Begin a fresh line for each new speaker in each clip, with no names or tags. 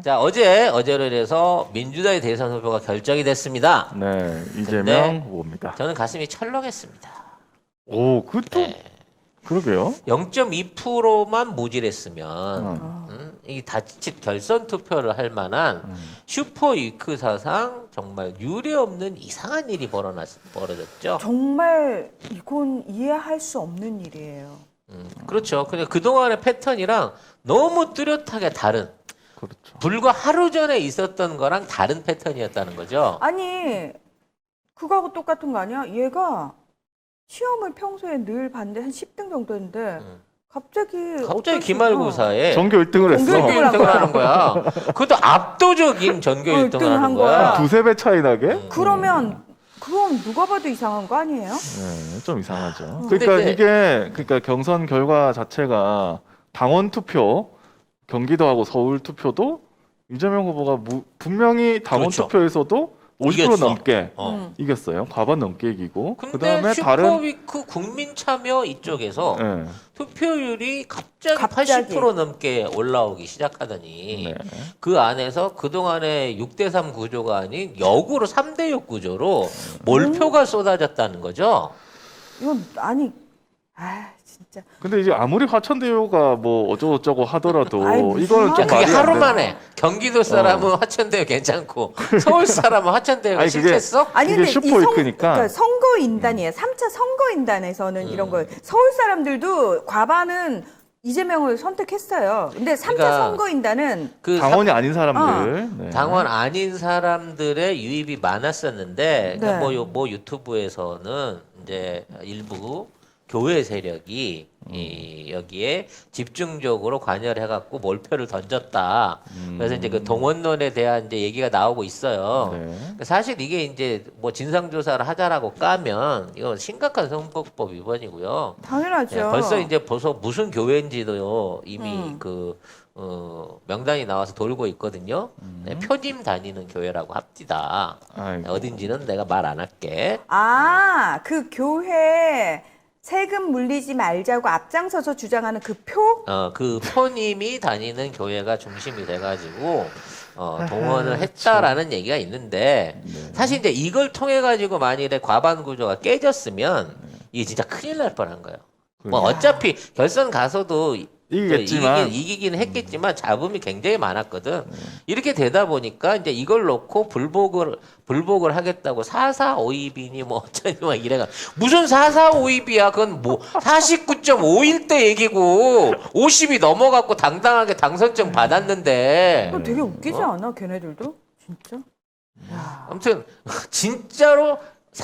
자, 어제로 인해서 민주당의 대선 후보가 결정이 됐습니다.
네,
근데
이재명 후보입니다.
저는 가슴이 철렁했습니다.
오, 그것도
네.
그러게요.
0.2%만 모질했으면 이 자칫 결선 투표를 할 만한 슈퍼 위크 사상 정말 유례 없는 이상한 일이 벌어졌죠.
정말 이건 이해할 수 없는 일이에요.
그렇죠. 그냥 그동안의 패턴이랑 너무 뚜렷하게 다른,
그렇죠.
불과 하루 전에 있었던 거랑 다른 패턴이었다는 거죠.
아니 그거하고 똑같은 거 아니야? 얘가 시험을 평소에 늘 봤는데 한 10등 정도 했는데 갑자기
기말고사에
전교 1등을 했어.
전교 1등을
전교 1등을 하는 거야. 그것도 압도적인 전교 1등을
1등을
하는
한
거야.
거야.
두세 배 차이 나게?
그러면 그건 누가 봐도 이상한 거 아니에요?
네, 좀 이상하죠.
근데
그러니까
이제-
이게 그러니까 경선 결과 자체가 당원 투표, 경기도하고 서울 투표도 이재명 후보가 분명히 당원
그렇죠.
투표에서도 50%
이겼어.
넘게
어.
이겼어요. 과반 넘게 이기고.
근데
그다음에 다른
슈퍼위크 국민참여 이쪽에서
네.
투표율이 갑자기
갑자기.
80% 넘게 올라오기 시작하더니
네.
그 안에서 그동안의 6대3 구조가 아닌 역으로 3대6 구조로 몰표가 쏟아졌다는 거죠.
이건 아니 진짜
근데 이제 아무리 화천대유가 뭐 어쩌고저쩌고 하더라도
아이, 무슨
이거는
야,
좀
그게
말이 안
하루
돼.
만에 경기도 사람은 화천대유 괜찮고 서울 사람은 화천대유가
아니, 그게-
싫겠어?
아니
이게
근데
슈퍼
이
위크니까.
그러니까 선거인단이에요. 3차 선거인단에서는 이런 걸 서울 사람들도 과반은 이재명을 선택했어요. 근데 3차
그러니까
선거인단은
그
당원이 아닌 사람들. 네.
당원 아닌 사람들의 유입이 많았었는데 그러니까
네.
뭐 유튜브에서는 이제 일부 교회 세력이 여기에 집중적으로 관여를 해갖고 몰표를 던졌다. 그래서 이제 그 동원론에 대한 이제 얘기가 나오고 있어요.
네.
사실 이게 이제 뭐 진상조사를 하자라고 까면 이거 심각한 선거법 위반이고요.
당연하죠.
네, 벌써 이제 무슨 교회인지도 이미 명단이 나와서 돌고 있거든요. 네, 표님 다니는 교회라고 합디다.
아이고.
어딘지는 내가 말 안 할게.
그 교회 세금 물리지 말자고 앞장서서 주장하는 그 표?
그 표님이 다니는 교회가 중심이 돼가지고 동원을 했다라는 얘기가 있는데 사실 이제 이걸 통해 가지고 만일에 과반 구조가 깨졌으면 이게 진짜 큰일 날 뻔한 거예요. 뭐 어차피 결선 가서도
이기겠지만.
이기긴 했겠지만 잡음이 굉장히 많았거든. 이렇게 되다 보니까 이제 이걸 놓고 불복을 하겠다고 4.45입이니 뭐 어쩌니 막 이래가 무슨 4.45입이야. 그건 뭐 49.5일 때 얘기고 50이 넘어갔고 당당하게 당선증 받았는데
그거 되게 웃기지 않아? 걔네들도? 진짜?
아무튼 진짜로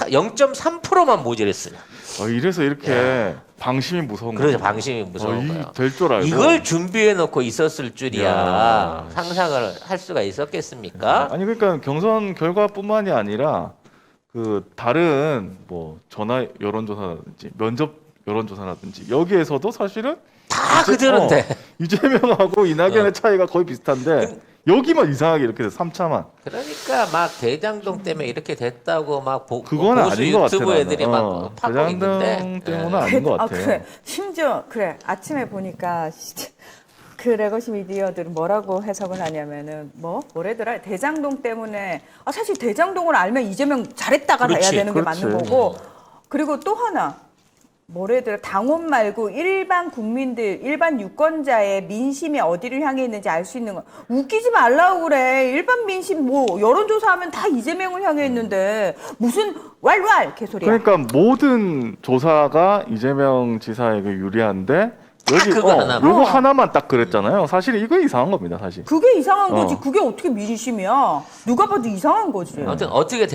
0.3%만 모자랐으면
이래서 이렇게 방심이 무서운 거예요.
그래서 방심이 무서운 거예요.
될줄 알고.
이걸 준비해 놓고 있었을 줄이야.
야.
상상을 할 수가 있었겠습니까?
아니 그러니까 경선 결과뿐만이 아니라 그 다른 뭐 전화 여론조사라든지 면접 여론조사라든지 여기에서도 사실은
다 그들한테.
이재명하고 이낙연의 차이가 거의 비슷한데 여기만 이상하게 이렇게 돼서 3차만.
그러니까 막 대장동 때문에 이렇게 됐다고 막
그건
보수
아닌 것 같아.
유튜브 애들이
나는.
막 파고 있는데.
대장동 때문은
예.
아닌 것 같아.
그래. 심지어 그래. 아침에 보니까 진짜 그 레거시 미디어들은 뭐라고 해석을 하냐면은 뭐래더라. 대장동 때문에 사실 대장동을 알면 이재명 잘했다가
그렇지,
해야 되는 게
그렇지.
맞는 거고. 그리고 또 하나. 뭐래더라. 당원 말고 일반 국민들, 일반 유권자의 민심이 어디를 향해 있는지 알 수 있는 거. 웃기지 말라고 그래. 일반 민심 뭐 여론조사하면 다 이재명을 향해 있는데 무슨 왈왈 개소리야.
그러니까 모든 조사가 이재명 지사에게 유리한데 여기
그거 하나만.
요거 하나만 딱 그랬잖아요. 사실 이거 이상한 겁니다, 사실.
그게 이상한 거지.
어.
그게 어떻게 민심이야. 누가 봐도 이상한 거지.
아무튼 어떻게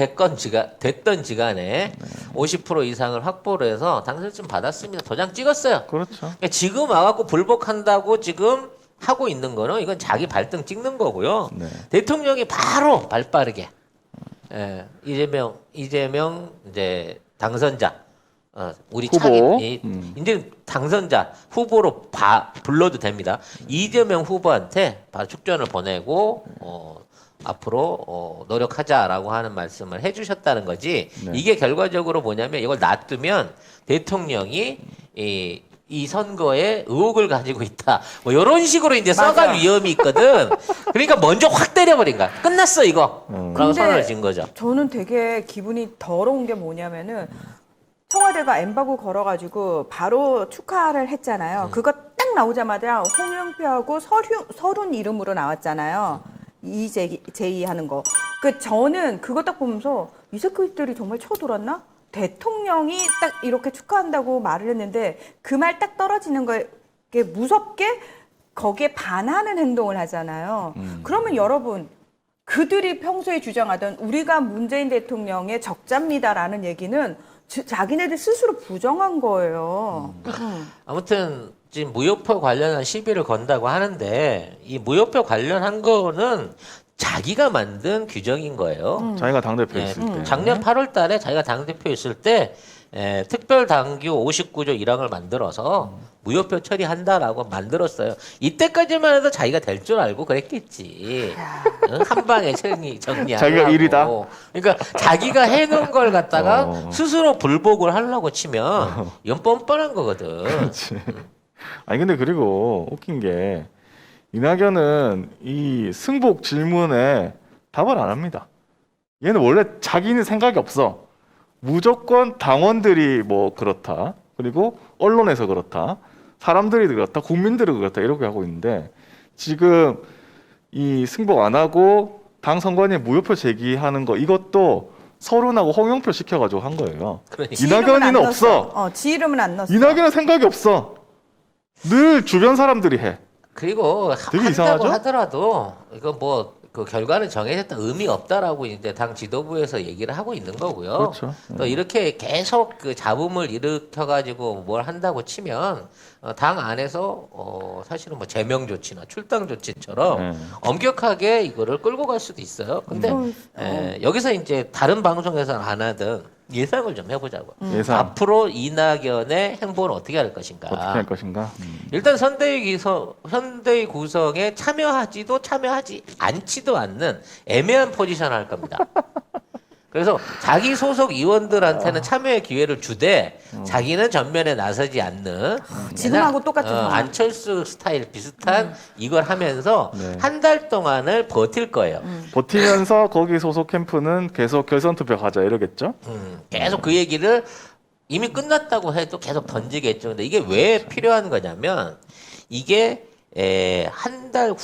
됐던지 간에 50% 이상을 확보를 해서 당선증 받았습니다. 도장 찍었어요.
그렇죠.
그러니까 지금 와갖고 불복한다고 지금 하고 있는 거는 이건 자기 발등 찍는 거고요.
네.
대통령이 바로 발빠르게 이재명 이제 당선자 우리
후보.
차기 이제 당선자 후보로 불러도 됩니다. 이재명 후보한테 바로 축전을 보내고 앞으로 노력하자라고 하는 말씀을 해주셨다는 거지.
네.
이게 결과적으로 뭐냐면 이걸 놔두면 대통령이 이 선거에 의혹을 가지고 있다. 뭐 이런 식으로 이제
맞아.
써갈 위험이 있거든. 그러니까 먼저 확 때려버린 거야. 끝났어 이거. 라고
근데
선언을 진 거죠.
저는 되게 기분이 더러운 게 뭐냐면은 청와대가 엠바고 걸어가지고 바로 축하를 했잖아요. 그거 딱 나오자마자 홍영표하고 서른 이름으로 나왔잖아요. 이재희 하는 거. 저는 그거 딱 보면서 이 새끼들이 정말 쳐돌았나? 대통령이 딱 이렇게 축하한다고 말을 했는데 그 말 딱 떨어지는 거에 무섭게 거기에 반하는 행동을 하잖아요. 그러면 여러분 그들이 평소에 주장하던 우리가 문재인 대통령의 적자입니다라는 얘기는 자기네들 스스로 부정한 거예요.
아무튼 지금 무효표 관련한 시비를 건다고 하는데 이 무효표 관련한 거는 자기가 만든 규정인 거예요.
자기가 당대표
예,
있을 때.
작년 8월 달에 자기가 당대표 있을 때 특별당규 59조 1항을 만들어서 무효표 처리한다라고 만들었어요. 이때까지만 해도 자기가 될 줄 알고 그랬겠지. 응? 한 방에 정리하려고.
자기가 일이다?
그러니까 자기가 해놓은 걸 갖다가
어.
스스로 불복을 하려고 치면 이건 뻔뻔한 거거든.
그렇지. 아니 근데 그리고 웃긴 게 이낙연은 이 승복 질문에 답을 안 합니다. 얘는 원래 자기는 생각이 없어. 무조건 당원들이 뭐 그렇다. 그리고 언론에서 그렇다. 사람들이 그렇다. 국민들이 그렇다. 이렇게 하고 있는데 지금 이 승복 안 하고 당 선관위에 무효표 제기하는 거 이것도 서른하고 홍영표 시켜가지고 한 거예요.
그러니까.
지 이름은
이낙연이는
안
없어.
넣었어. 지 이름은 안 넣었어.
이낙연은 생각이 없어. 늘 주변 사람들이 해.
그리고
되게
한다고
이상하죠?
하더라도 이거 뭐 그 결과는 정해졌다 의미 없다라고 이제 당 지도부에서 얘기를 하고 있는 거고요.
그렇죠.
또 이렇게 계속 그 잡음을 일으켜 가지고 뭘 한다고 치면 당 안에서 사실은 뭐 제명 조치나 출당 조치처럼
네.
엄격하게 이거를 끌고 갈 수도 있어요. 근데 여기서 이제 다른 방송에서는 안 하던 예상을 좀 해보자고.
예상
앞으로 이낙연의 행보는 어떻게 할 것인가.
어떻게 할 것인가?
일단 선대위 구성에 참여하지도 참여하지 않지도 않는 애매한 포지션을 할 겁니다. 그래서 자기 소속 의원들한테는 참여의 기회를 주되 자기는 전면에 나서지 않는
지금하고 똑같은 상황.
안철수 스타일 비슷한 이걸 하면서
네.
한 달 동안을 버틸 거예요.
버티면서 거기 소속 캠프는 계속 결선 투표 가자 이러겠죠?
계속 그 얘기를 이미 끝났다고 해도 계속 던지겠죠. 근데 이게 왜 필요한 거냐면 이게 한 달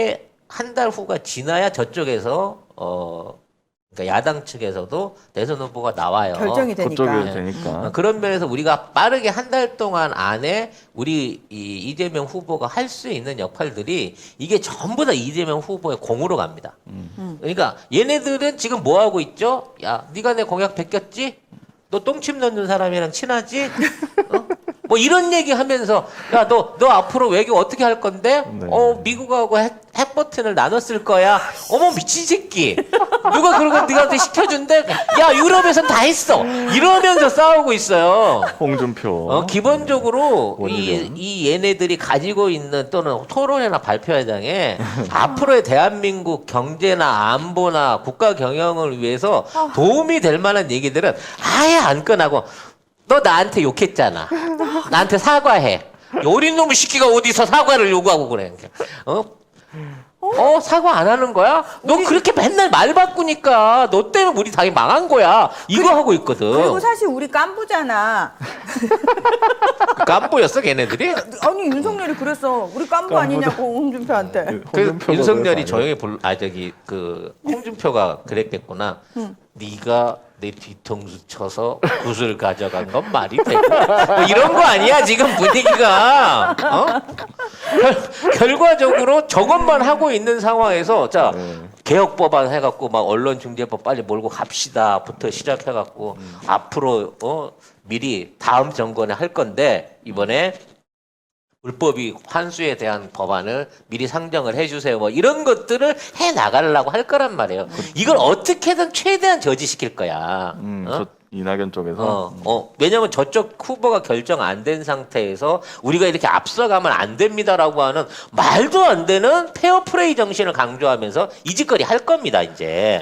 후가 지나야 저쪽에서 그러니까 야당 측에서도 대선 후보가 나와요.
결정이 되니까.
그쪽이 되니까.
그런 면에서 우리가 빠르게 한 달 동안 안에 우리 이재명 후보가 할 수 있는 역할들이 이게 전부 다 이재명 후보의 공으로 갑니다. 그러니까 얘네들은 지금 뭐 하고 있죠? 야, 네가 내 공약 베꼈지? 너 똥침 넣는 사람이랑 친하지? 뭐 이런 얘기 하면서 야, 너 앞으로 외교 어떻게 할 건데?
네.
미국하고 핵 버튼을 나눴을 거야. 어머 미친 새끼. 누가 그러고 네가한테 시켜준대? 야, 유럽에선 다 했어. 이러면서 싸우고 있어요.
홍준표.
기본적으로
원희룡.
이 얘네들이 가지고 있는 또는 토론회나 발표회장에 앞으로의 대한민국 경제나 안보나 국가 경영을 위해서 도움이 될 만한 얘기들은 아예 안 꺼내고 너 나한테 욕했잖아. 나한테 사과해. 어린 놈의 시끼가 어디서 사과를 요구하고 그래. 사과 안 하는 거야? 너 그렇게 맨날 말 바꾸니까 너 때문에 우리 당이 망한 거야. 이거 하고 있거든.
그리고 사실 우리 깐부잖아.
깐부였어 걔네들이?
아니 윤석열이 그랬어. 우리 깐부 아니냐고 홍준표한테.
홍준표가
윤석열이
그래서
조용히 홍준표가 그랬겠구나. 네가 내 뒤통수 쳐서 굿을 가져간 건 말이 되고 뭐 이런 거 아니야 지금 분위기가. 결과적으로 저것만 하고 있는 상황에서 자 개혁 법안 해갖고 막 언론중재법 빨리 몰고 갑시다부터 시작해갖고 앞으로 미리 다음 정권에 할 건데 이번에 불법이 환수에 대한 법안을 미리 상정을 해주세요. 뭐 이런 것들을 해 나가려고 할 거란 말이에요. 이걸 어떻게든 최대한 저지시킬 거야.
저 이낙연 쪽에서.
왜냐면 저쪽 후보가 결정 안 된 상태에서 우리가 이렇게 앞서가면 안 됩니다라고 하는 말도 안 되는 페어플레이 정신을 강조하면서 이 짓거리 할 겁니다, 이제.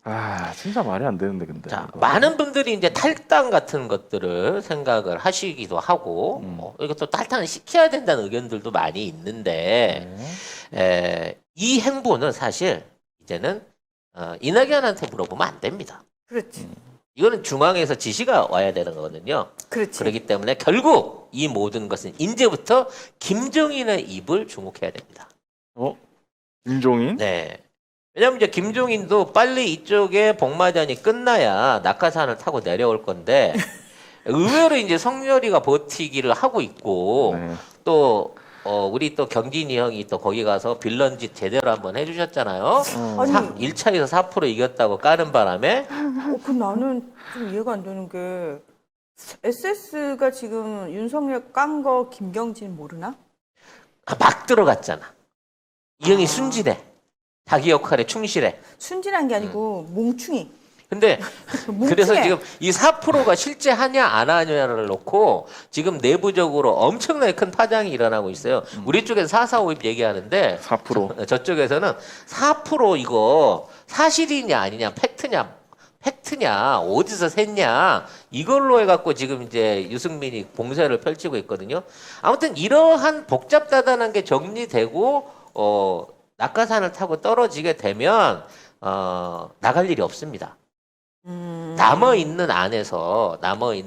아 진짜 말이 안 되는데 근데.
자,
이거.
많은 분들이 이제 탈당 같은 것들을 생각을 하시기도 하고, 이것도 탈당을 시켜야 된다는 의견들도 많이 있는데, 이 행보는 사실 이제는 이낙연한테 물어보면 안 됩니다.
그렇지.
이거는 중앙에서 지시가 와야 되는 거거든요.
그렇지.
그렇기 때문에 결국 이 모든 것은 이제부터 김종인의 입을 주목해야 됩니다.
김종인?
네. 왜냐면 이제 김종인도 빨리 이쪽에 복마전이 끝나야 낙하산을 타고 내려올 건데 의외로 이제 성렬이가 버티기를 하고 있고
네.
또 우리 또 경진이 형이 또 거기 가서 빌런 짓 제대로 한번 해주셨잖아요.
아니,
1차에서 4% 이겼다고 까는 바람에
그 나는 좀 이해가 안 되는 게 SS가 지금 윤석열 깐 거 김경진 모르나?
막 들어갔잖아. 이 형이 순진해. 자기 역할에 충실해.
순진한 게 아니고 몽충이.
근데
뭉치네.
그래서 지금 이 4%가 실제 하냐 안 하냐를 놓고 지금 내부적으로 엄청나게 큰 파장이 일어나고 있어요. 우리 쪽에서 4.4.5입 얘기하는데
4%.
저쪽에서는 4% 이거 사실이냐 아니냐 팩트냐 어디서 샜냐 이걸로 해갖고 지금 이제 유승민이 봉쇄를 펼치고 있거든요. 아무튼 이러한 복잡다단한 게 정리되고 낙하산을 타고 떨어지게 되면 나갈 일이 없습니다. 남아 있는 안에서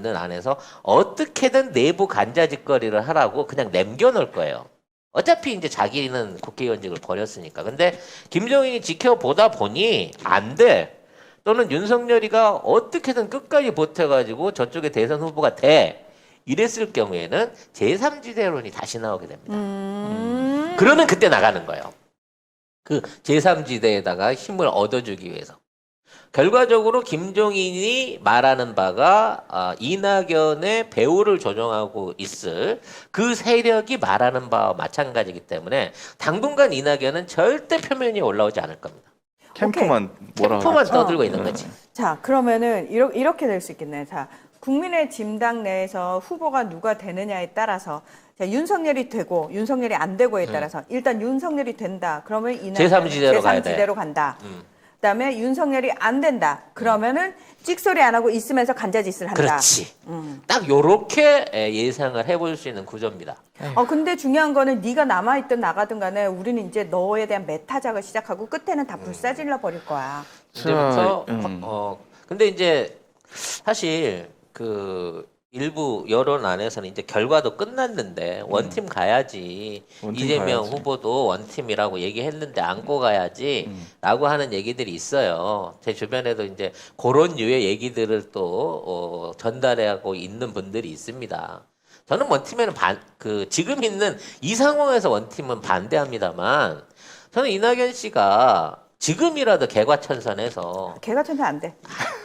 어떻게든 내부 간자짓거리를 하라고 그냥 남겨놓을 거예요. 어차피 이제 자기는 국회의원직을 버렸으니까. 근데 김종인이 지켜보다 보니 안 돼. 또는 윤석열이가 어떻게든 끝까지 버텨가지고 저쪽에 대선 후보가 돼. 이랬을 경우에는 제3지대론이 다시 나오게 됩니다. 그러면 그때 나가는 거예요. 그 제3지대에다가 힘을 얻어주기 위해서. 결과적으로 김종인이 말하는 바가 이낙연의 배후를 조종하고 있을 그 세력이 말하는 바와 마찬가지이기 때문에 당분간 이낙연은 절대 표면이 올라오지 않을 겁니다.
캠프만 뭐라
캠프만
하겠지?
떠들고 있는 거지.
자, 그러면은 이렇게 될 수 있겠네요. 자, 국민의 짐당 내에서 후보가 누가 되느냐에 따라서 자, 윤석열이 되고 윤석열이 안 되고에 따라서 일단 윤석열이 된다. 그러면
제3지대로 가야 돼.
제3지대로 간다. 그다음에 윤석열이 안 된다. 그러면은 찍소리 안 하고 있으면서 간자짓을 한다.
그렇지. 딱 요렇게 예상을 해볼 수 있는 구조입니다.
근데 중요한 거는 네가 남아있든 나가든 간에 우리는 이제 너에 대한 메타작을 시작하고 끝에는 다 불사질러 버릴 거야.
이제부터 근데 이제 사실 그 일부 여론 안에서는 이제 결과도 끝났는데 원팀 가야지
원팀
이재명
가야지.
후보도 원팀이라고 얘기했는데 안고 가야지라고 하는 얘기들이 있어요. 제 주변에도 이제 그런 류의 얘기들을 또 전달하고 있는 분들이 있습니다. 저는 원팀에는 지금 있는 이 상황에서 원팀은 반대합니다만 저는 이낙연 씨가 지금이라도 개과천선해서
개가 천선 안 돼.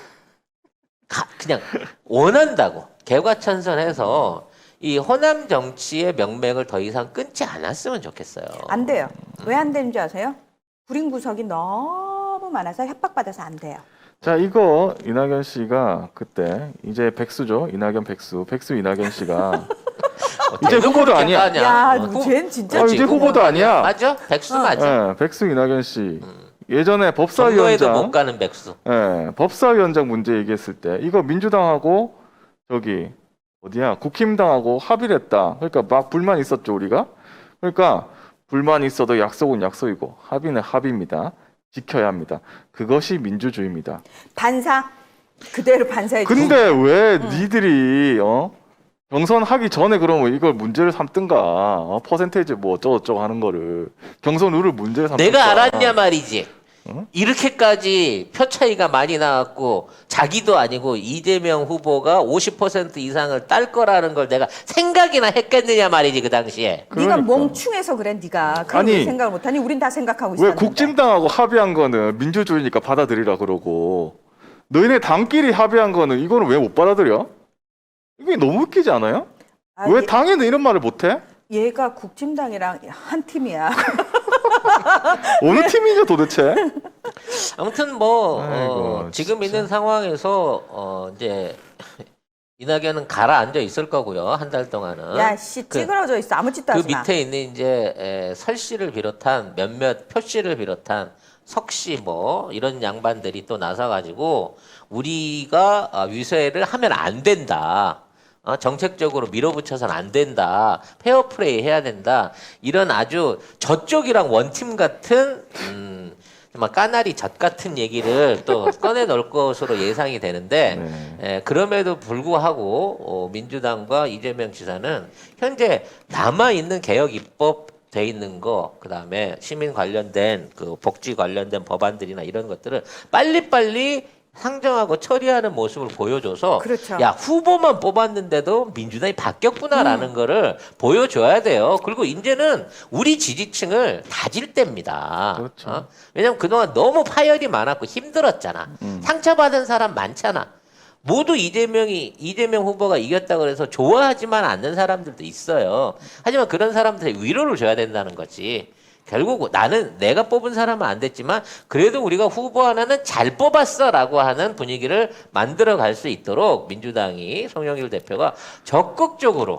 그냥 원한다고 개과천선해서 이 호남 정치의 명맥을 더 이상 끊지 않았으면 좋겠어요.
안 돼요. 왜 안 되는 줄 아세요? 불임 구석이 너무 많아서 협박받아서 안 돼요.
자 이거 이낙연 씨가 그때 이제 백수죠. 이낙연 백수 이낙연 씨가 이제 후보도 아니야.
야, 쟤는 진짜
이제 후보도 아니야.
맞아? 백수 맞아.
예, 백수 이낙연 씨. 예전에
선거에도
법사위원장
못 가는 백수.
법사위원장 문제 얘기했을 때 이거 민주당하고 저기 어디야 국힘당하고 합의를 했다. 그러니까 막 불만 있었죠 우리가. 그러니까 불만 있어도 약속은 약속이고 합의는 합의입니다. 지켜야 합니다. 그것이 민주주의입니다.
반사 그대로 반사해.
근데 왜 니들이 경선하기 전에 그러면 이걸 문제를 삼든가 퍼센테이지 뭐 어쩌고저쩌고 하는 거를 경선 룰을 문제를 삼든가.
내가 알았냐 말이지. 이렇게까지 표 차이가 많이 나왔고 자기도 아니고 이재명 후보가 50% 이상을 딸 거라는 걸 내가 생각이나 했겠느냐 말이지 그 당시에.
네가
그러니까.
멍충해서 그래 네가. 그걸 왜 생각을 못하니? 우린 다 생각하고
왜
있었는데.
국진당하고 합의한 거는 민주주의니까 받아들이라 그러고 너희네 당끼리 합의한 거는 이거는 왜 못 받아들여? 이게 너무 웃기지 않아요? 왜 당에는 이런 말을 못해?
얘가 국진당이랑 한 팀이야.
어느 팀이냐 도대체?
아무튼
아이고,
지금
진짜.
있는 상황에서 이제 이낙연은 가라앉아 있을 거고요. 한 달 동안은.
야, 씨 찌그러져 있어. 아무 짓도
그
하지 마.
밑에 있는 이제 설 씨를 비롯한 몇몇 표 씨를 비롯한 석씨 뭐 이런 양반들이 또 나서가지고 우리가 위세를 하면 안 된다. 정책적으로 밀어붙여서는 안 된다. 페어플레이 해야 된다. 이런 아주 저쪽이랑 원팀 같은 정말 까나리 젖 같은 얘기를 또 꺼내 넣을 것으로 예상이 되는데 그럼에도 불구하고 민주당과 이재명 지사는 현재 남아 있는 개혁 입법 돼 있는 거, 그다음에 시민 관련된 그 복지 관련된 법안들이나 이런 것들을 빨리빨리 상정하고 처리하는 모습을 보여줘서
그렇죠.
야 후보만 뽑았는데도 민주당이 바뀌었구나라는 거를 보여줘야 돼요. 그리고 이제는 우리 지지층을 다질 때입니다.
그렇죠.
왜냐면 그동안 너무 파열이 많았고 힘들었잖아. 상처받은 사람 많잖아. 모두 이재명 후보가 이겼다 그래서 좋아하지만 않는 사람들도 있어요. 하지만 그런 사람들의 위로를 줘야 된다는 거지. 결국 나는 내가 뽑은 사람은 안 됐지만 그래도 우리가 후보 하나는 잘 뽑았어라고 하는 분위기를 만들어 갈 수 있도록 민주당이 송영길 대표가 적극적으로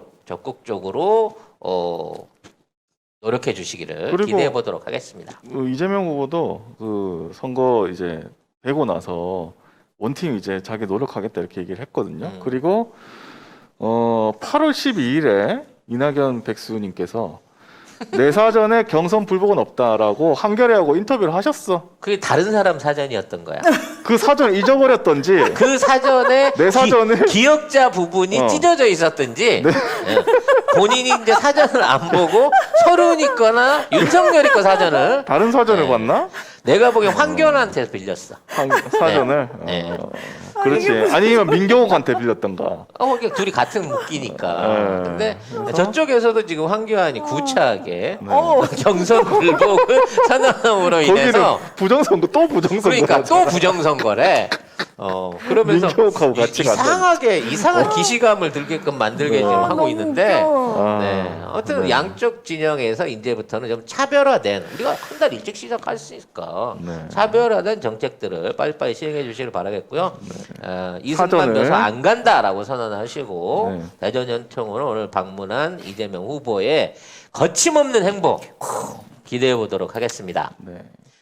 노력해 주시기를
그리고
기대해 보도록 하겠습니다.
이재명 후보도 그 선거 이제 되고 나서 원팀 이제 자기 노력하겠다 이렇게 얘기를 했거든요. 그리고 8월 12일에 이낙연 백수님께서 내 사전에 경선 불복은 없다라고 한겨레하고 인터뷰를 하셨어.
그게 다른 사람 사전이었던 거야.
그 사전을 잊어버렸던지
그 사전에
내 사전을
기억자 부분이 찢어져 있었든지
네.
본인이 이제 사전을 안 보고 서른이 거나 윤석열이 거 사전을
다른 사전을
네.
봤나?
내가 보기엔 황교안한테 빌렸어.
사전을.
네.
그렇지. 아니면 민경욱한테 빌렸던가.
그러니까 둘이 같은 묶이니까.
네.
근데 저쪽에서도 지금 황교안이 구차하게
어.
경선 불복을 선언함으로 인해서
거기는 부정선거 또 부정선거.
그러니까 또 부정선거래. 그러면서
민경욱하고 같이
이상한 기시감을 들게끔 만들게 지금 하고
너무
있는데.
웃겨.
네. 아무튼 양쪽 진영에서 이제부터는 좀 차별화된 우리가 한 달 일찍 시작할 수 있을까?
네.
차별화된 정책들을 빨리빨리 시행해 주시길 바라겠고요. 이승만
사전을.
묘소 안 간다라고 선언하시고
네.
대전 연통으로 오늘 방문한 이재명 후보의 거침없는 행보 기대해 보도록 하겠습니다.
네.